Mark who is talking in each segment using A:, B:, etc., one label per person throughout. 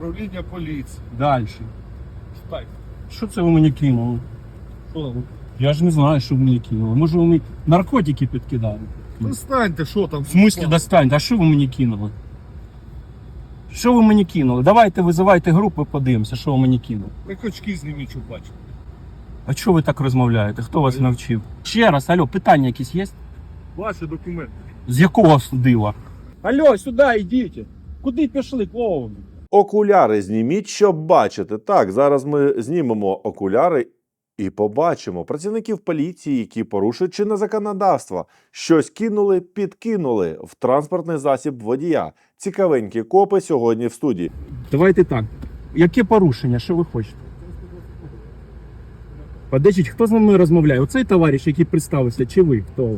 A: Управління поліції.
B: Далі.
A: Встань.
B: Що це ви мені кинули?
A: Що?
B: Я ж не знаю, що ви мені кинули. Може, ви мені наркотики підкидали?
A: Достаньте, що там?
B: В смислі достаньте? А що ви мені кинули? Що ви мені кинули? Давайте визивайте групу, подивимося, що ви мені кинули.
A: Так очки зніміть, щоб бачити.
B: А чого ви так розмовляєте? Хто вас навчив? Ще раз, алло, питання якісь є?
A: Ваші документи.
B: З якого дива? Алло, сюди йдіть. Куди пішли, клоуни?
C: Окуляри зніміть, щоб бачити. Так, зараз ми знімемо окуляри і побачимо працівників поліції, які порушують чинне законодавство. Щось кинули, підкинули в транспортний засіб водія. Цікавенькі копи сьогодні в студії.
B: Давайте так. Яке порушення? Що ви хочете? Подождіть, хто з нами розмовляє? Оцей товариш, який представився, чи ви? Хто?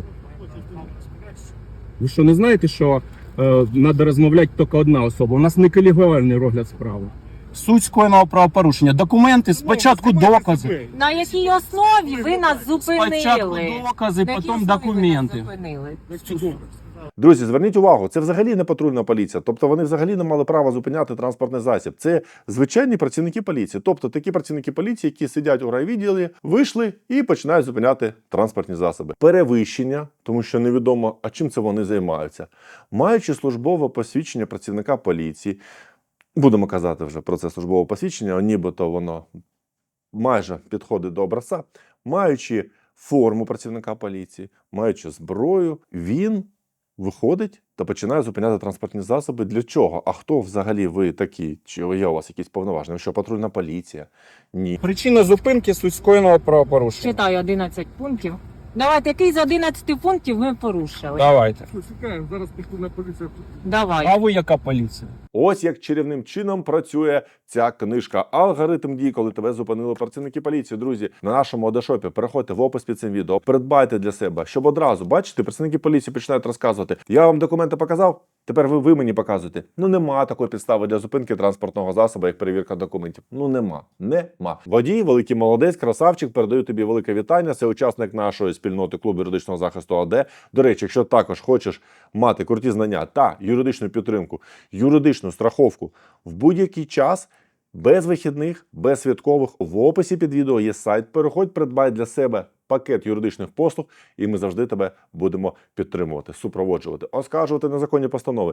B: Ви що, не знаєте, що треба розмовляти тільки одна особа? У нас не колегіальний розгляд справи. Суть скоєного правопорушення. Документи, спочатку докази.
D: На якій основі ви нас зупинили?
B: Спочатку докази,
D: На якій
B: потім
D: основі ви нас
B: документи.
D: зупинили?
C: Друзі, зверніть увагу, це взагалі не патрульна поліція. Тобто вони взагалі не мали права зупиняти транспортний засіб. Це звичайні працівники поліції. Тобто такі працівники поліції, які сидять у райвідділі, вийшли і починають зупиняти транспортні засоби. Перевищення, тому що невідомо, а чим це вони займаються. Маючи службове посвідчення працівника поліції, будемо казати вже про це службове посвідчення, нібито воно майже підходить до образця, маючи форму працівника поліції, маючи зброю, він виходить та починає зупиняти транспортні засоби. Для чого? А хто взагалі ви такі? Чи є у вас якісь повноваження? Що патрульна поліція? Ні.
B: Причина зупинки суть скоєного правопорушення.
D: Читаю 11 пунктів. Давайте, який з 11 пунктів ми порушили?
B: Давайте.
A: Що, чекаємо, зараз патрульна поліція.
D: Давай.
B: А ви яка поліція?
C: Ось як чарівним чином працює ця книжка. Алгоритм дій, коли тебе зупинили працівники поліції. Друзі, на нашому одешопі переходьте в опис під цим відео, придбайте для себе, щоб одразу, бачите, працівники поліції починають розказувати. Я вам документи показав, тепер ви мені показуєте. Ну нема такої підстави для зупинки транспортного засобу, як перевірка документів. Ну нема. Водій, великий молодець, красавчик, передаю тобі велике вітання. Це учасник нашої спільноти клубу юридичного захисту АД. До речі, якщо також хочеш мати круті знання та юридичну підтримку, юридичну страховку в будь-який час, без вихідних, без святкових, в описі під відео є сайт. Переходь, придбай для себе пакет юридичних послуг, і ми завжди тебе будемо підтримувати, супроводжувати, оскаржувати незаконні постанови.